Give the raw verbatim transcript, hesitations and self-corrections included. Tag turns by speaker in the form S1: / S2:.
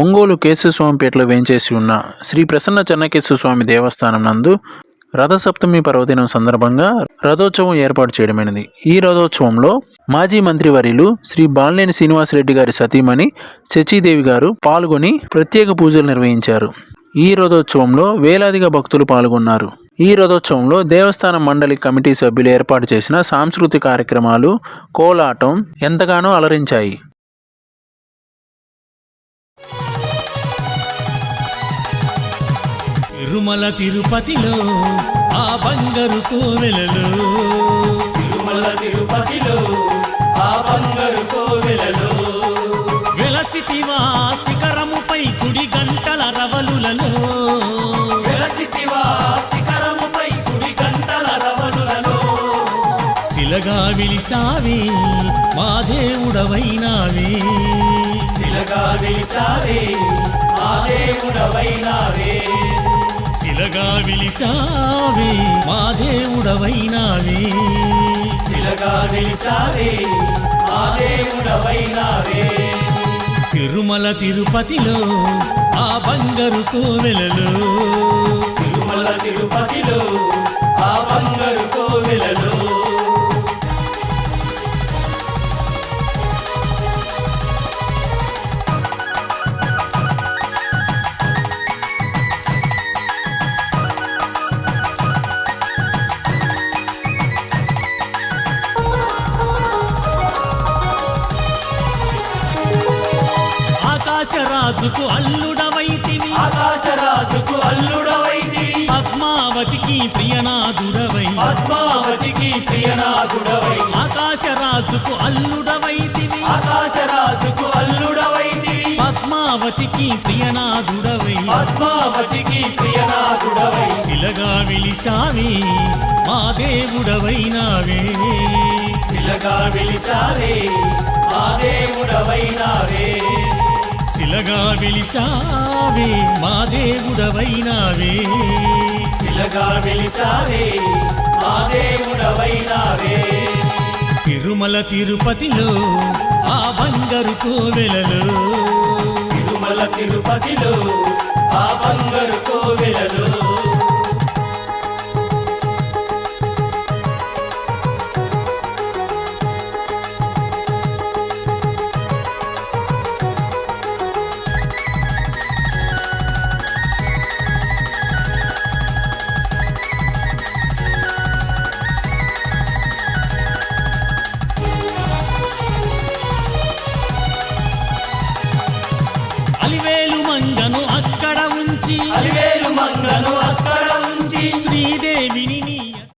S1: ఒంగోలు కేశవస్వామిపేటలో వేంచేసి ఉన్న శ్రీ ప్రసన్న చెన్నకేశవస్వామి దేవస్థానం నందు రథసప్తమి పర్వదినం సందర్భంగా రథోత్సవం ఏర్పాటు చేయడమైనది. ఈ రథోత్సవంలో మాజీ మంత్రివర్యులు శ్రీ బాలినేని శ్రీనివాసరెడ్డి గారి సతీమణి శచీదేవి గారు పాల్గొని ప్రత్యేక పూజలు నిర్వహించారు. ఈ రథోత్సవంలో వేలాదిగా భక్తులు పాల్గొన్నారు. ఈ రథోత్సవంలో దేవస్థానం మండలి కమిటీ సభ్యులు ఏర్పాటు చేసిన సాంస్కృతిక కార్యక్రమాలు, కోలాటం ఎంతగానో అలరించాయి.
S2: తిరుమల తిరుపతిలో ఆ బంగారు కోవెలలో,
S3: తిరుమల తిరుపతిలో ఆ బంగారు కోవెలలో,
S2: వెలసితివా శిఖరముపై కుడి గంటల రవలులలో,
S3: వెలసితివా శిఖరముపై కుడి గంటల రవలులలో,
S2: శిలగా విలిసావే మా దేవుడవైనావే,
S3: శిలగా వెలిసావే మా దేవుడవైనావే,
S2: శిలగా విలిసావే మా దేవుడవైనావే,
S3: శిలగా వెలిసావే మా దేవుడవైనావే.
S2: తిరుమల తిరుపతిలో ఆ బంగారు కోవెలలో,
S3: తిరుమల తిరుపతిలో ఆ బంగారు కోవెలలో,
S2: ఆకాశరాజుకు అల్లుడవైతివి,
S3: ఆకాశరాజుకు అల్లుడవైతివి,
S2: పద్మావతికి ప్రియనాథుడవై,
S3: పద్మావతికి ప్రియనాథుడవై,
S2: ఆకాశరాజుకు అల్లుడవైతివి,
S3: ఆకాశరాజుకు అల్లుడవైతివి,
S2: పద్మావతికి ప్రియనాథుడవై,
S3: పద్మావతికి ప్రియనాథుడవై,
S2: శిలగా విలిసావే మా దేవుడవైనావే,
S3: శిలగా వెలిసావే మా దేవుడవైనావే,
S2: శిలగా విలిసావే మా దేవుడవైనావే,
S3: శిలగా వెలిసావే మా దేవుడవైనావే.
S2: తిరుమల తిరుపతిలో ఆ బంగారు కోవెలలో,
S3: తిరుమల తిరుపతిలో ఆ బంగారు కోవెలలో,
S2: అలివేలు మంగను అక్కడ ఉంచి,
S3: అలివేలు మంగను అక్కడ ఉంచి,
S2: శ్రీదేవిని నీ